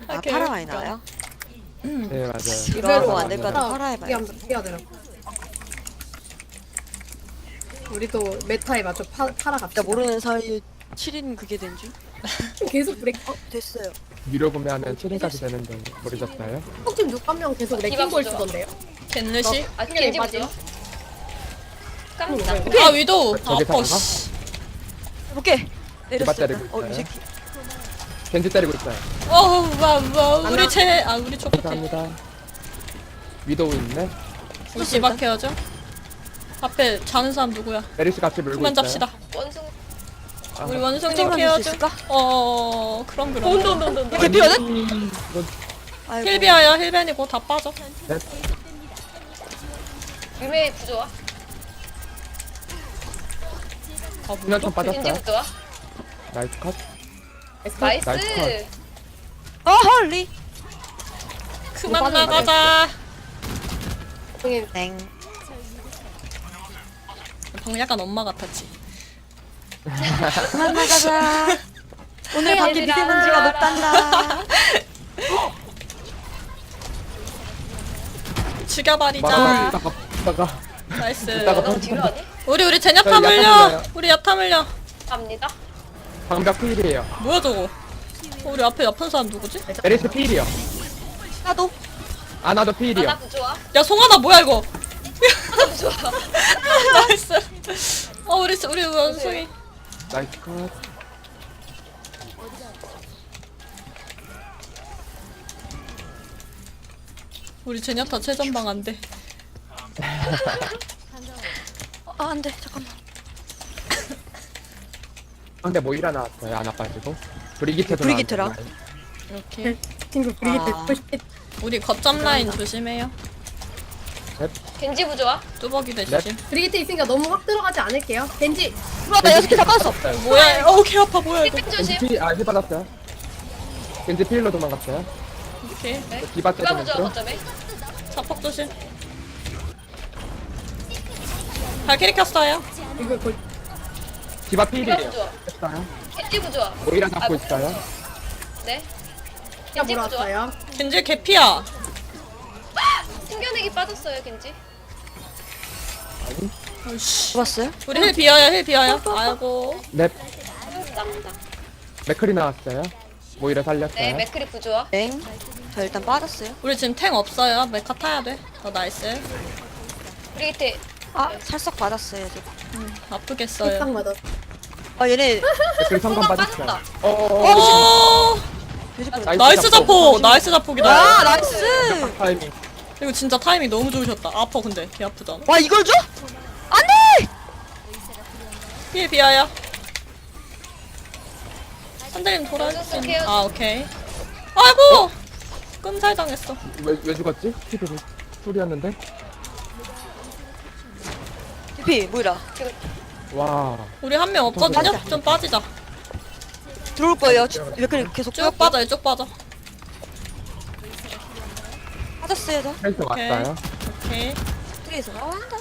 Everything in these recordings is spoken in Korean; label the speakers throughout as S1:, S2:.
S1: 아 파라 많이 나와요?
S2: 네 맞아요.
S1: 이거 안될 것 같아. 파라 해봐요.
S3: 해야 되나? 우리도 메타에 맞춰 팔아 갑시다.
S1: 진짜 모르는 사이에 7인 그게 된 줄?
S3: 계속 브레이크.
S1: 됐어요.
S2: 유료 구매하면 7인까지 되는데 모르셨어요?
S3: 혹시 누가 한 명 계속 레킹볼 쓰던데요?
S4: 겐르시?
S5: 아, 겐지 보죠. 깜짝.
S4: 아 위도우.
S2: 저기
S4: 아파
S2: 사는가?
S4: 씨.
S1: 해볼게. 내렸어.
S2: 때리고
S1: 이
S2: 있어요.
S1: 새끼.
S2: 겐지 때리고 있어요.
S4: 와 우리 체 우리 초코티.
S2: 감사합니다. 위도우 있네.
S4: 우리 집앞해야죠. 앞에 자는 사람 누구야?
S2: 메리스 같이 물고
S4: 그만
S2: 있어요.
S4: 잡시다.
S5: 원숭.
S2: 아,
S4: 우리 원숭이
S1: 힐
S4: 케어죠.
S1: 있을까?
S4: 그럼.
S5: 온돈돈돈.
S1: 이게 피어는?
S2: 이건
S1: 아이고.
S4: 힐비아야 힐벤이고 다 빠져.
S5: 유메 부조와.
S2: 수면총
S5: 겐지
S2: 빠졌어요.
S5: 부조와.
S2: 나이스 컷.
S5: 나이스.
S2: 나이스
S1: 어 헐리.
S4: 그만 나가자.
S1: 땡.
S4: 방금 약간 엄마 같았지.
S1: 그만 나가자. 오늘 밖에 미세먼지가 높단다.
S4: 죽여버리자.
S2: 이따가
S4: 나이스.
S2: 이따가
S5: 너 뒤로 하니?
S4: 우리 제냐타
S2: 저희
S4: 물려.
S2: 약간
S4: 우리 야타 물려.
S5: 갑니다.
S2: 방벽 필이에요.
S4: 뭐야 저거? 우리 앞에 아픈 사람 누구지?
S2: 메리스 필이요.
S1: 나도.
S2: 아나도 필이요.
S5: 아나 부조와.
S4: 야 송하나 뭐야 이거?
S5: 아나 부조와.
S4: 나이스. 우리 원숭이.
S2: 나이스 컷.
S4: 우리 제냐타 최전방 안 돼.
S1: 아 안돼 잠깐만.
S2: 근데 모이라 나왔어요. 아나 빠지고. 브리기트도
S1: 브리기트랑?
S2: 나왔어요.
S4: 이렇게.
S3: 친구 브리기트
S1: 아.
S3: 듣고 싶겠.
S4: 우리 거점 라인 조심해요.
S5: 겐지 부조와.
S4: 뚜벅이들 조심.
S3: 브리기트 있으니까 너무 확 들어가지 않을게요. 겐지.
S1: 들어와 나 6개 다 빠졌어.
S4: 뭐야? 개 아파 뭐야 이거?
S5: 힐
S2: 겐지
S5: 조심.
S2: 필, 힐 받았어요. 겐지 필로 도망갔어요.
S4: 이렇게.
S2: 디바
S5: 디바
S2: 때리는
S5: 부조와
S2: 중.
S5: 거점에.
S4: 자폭 조심. 발키리 켰어요.
S3: 이거 거의
S2: 디바
S5: 디바
S2: 필이에요.
S5: 부조와.
S2: 했어요.
S5: 겐지 부조와.
S2: 모이라 잡고 있어요.
S5: 네.
S3: 야
S5: 겐지 부조와.
S3: 몰았어요.
S4: 겐지 개피야.
S5: 숨겨내기 빠졌어요 겐지.
S4: 아이씨.
S1: 잡았어요?
S4: 우리 힐 비어요 힐 비어요. 아이고.
S2: 넵.
S5: 땀다.
S2: 맥클이 나왔어요. 모이라 살렸어요.
S5: 네 맥크리 부조와.
S1: 땡. 저 일단 빠졌어요.
S4: 우리 지금 탱 없어요. 메카 타야 돼. 나이스.
S5: 브리기트.
S1: 아 살짝 받았어요. 저.
S4: 아프겠어요.
S3: 딱 맞아.
S1: 아 얘네
S2: 맥클 성감
S5: 성감
S2: 빠졌어요.
S5: 빠졌다.
S4: 오.
S1: 돼지꼬리.
S4: 나이스 자폭. 나이스 자폭이다.
S1: 아 나이스.
S2: 타이밍.
S4: 이거 진짜 타이밍 너무 좋으셨다. 아파 근데 개 아프잖아.
S1: 와 이걸 줘? 안돼.
S4: 힐 비어요. 선생님 돌아주세요.
S5: 원숭이 케어.
S4: 아 오케이. 아이고. 끔살 당했어.
S2: 왜 죽었지? 피드를 소리였는데.
S1: DP 뭐이라.
S2: 와.
S4: 우리 한 명 없거든요.
S1: 빠지자.
S4: 좀 빠지자.
S1: 들어올 거예요. 몇 개 계속
S4: 쭉 빠져 이쪽 빠져.
S1: 빠졌어요 저.
S2: 헬스
S4: 오케이.
S2: 왔어요.
S4: 오케이.
S1: 트레이서 나온다.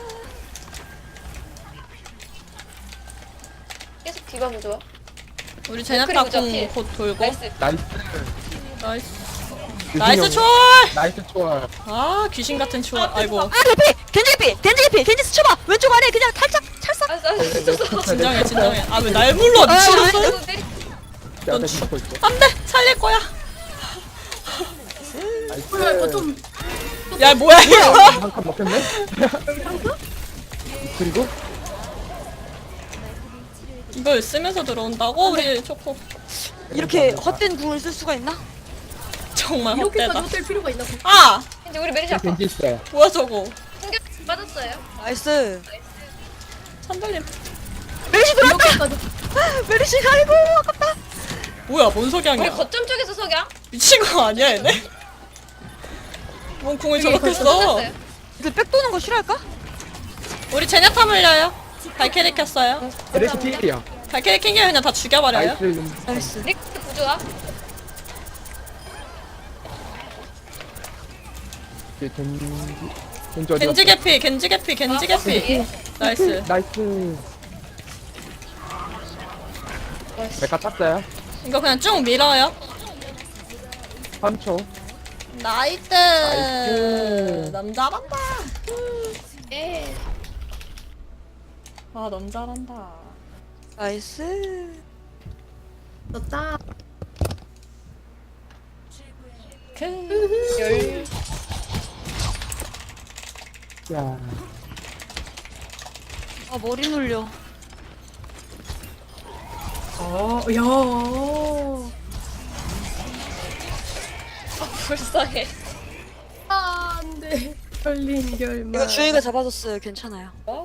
S5: 계속 디바 부조와.
S4: 우리 제냐타
S5: 맥크리 보자, 필.
S4: 공곧 돌고.
S5: 나이스.
S2: 나이스.
S4: 나이스.
S2: 유진이
S4: 나이스
S2: 형.
S4: 초월.
S2: 나이스 초월.
S4: 아 귀신 같은 초월. 아이고.
S1: 아 개피. 겐지 개피. 겐지 개피. 겐지 스쳐봐. 왼쪽 아래 그냥 살짝 찰싹.
S5: 아,
S4: 진정해 진정해. 아 왜 날 불러 미친놈.
S5: 너 내리.
S2: 제가 대신 잡고 있어.
S4: 안돼 살릴 거야.
S2: 나이스.
S3: 좀
S4: 야 뭐야 이거.
S2: 한 칸 먹혔네. 그리고
S4: 이걸 쓰면서 들어온다고 우리 초코.
S1: 이렇게 헛된 궁을 쓸 수가 있나?
S4: 정말
S3: 이렇게까지
S4: 헛되다.
S3: 호텔 필요가 있나?
S4: 아
S5: 겐지 우리 메리시 아파.
S2: 겐지 있어요.
S4: 뭐야 저거.
S5: 숨겨 빠졌어요.
S1: 나이스.
S4: 찬달님.
S1: 메리시 들어왔다.
S3: 이렇게까지
S1: 메리시 아이고 아깝다.
S4: 뭐야 뭔
S5: 우리
S4: 석양이야.
S5: 거점 쪽에서 석양.
S4: 미친 거 아니야 얘네? 뭔 궁을 저렇게 써.
S5: 던졌어요.
S1: 이들 백 도는 거 싫어할까?
S4: 우리 제냐타 물려요. 발키리 켰어요.
S2: 메리스 필이요.
S4: 발키리 킹게 그냥 다 죽여버려요.
S2: 나이스.
S1: 나이스.
S5: 릭스 부조와.
S2: 겐지 어디
S4: 겐지
S2: 갔어?
S4: 개피 겐지 개피 겐지 개피. 나이스.
S2: 나이스. 메카 탔어요.
S4: 이거 그냥 쭉 밀어요.
S2: 3초.
S4: 나이트. 남 잘한다.
S5: 예.
S4: 아, 남 잘한다.
S1: 나이스.
S3: 좋다.
S4: 열.
S2: 야.
S1: 아 머리 눌려.
S3: 야.
S5: 불쌍해.
S3: 안 돼. 걸린 결말.
S1: 이거 주희가 잡아줬어요. 괜찮아요.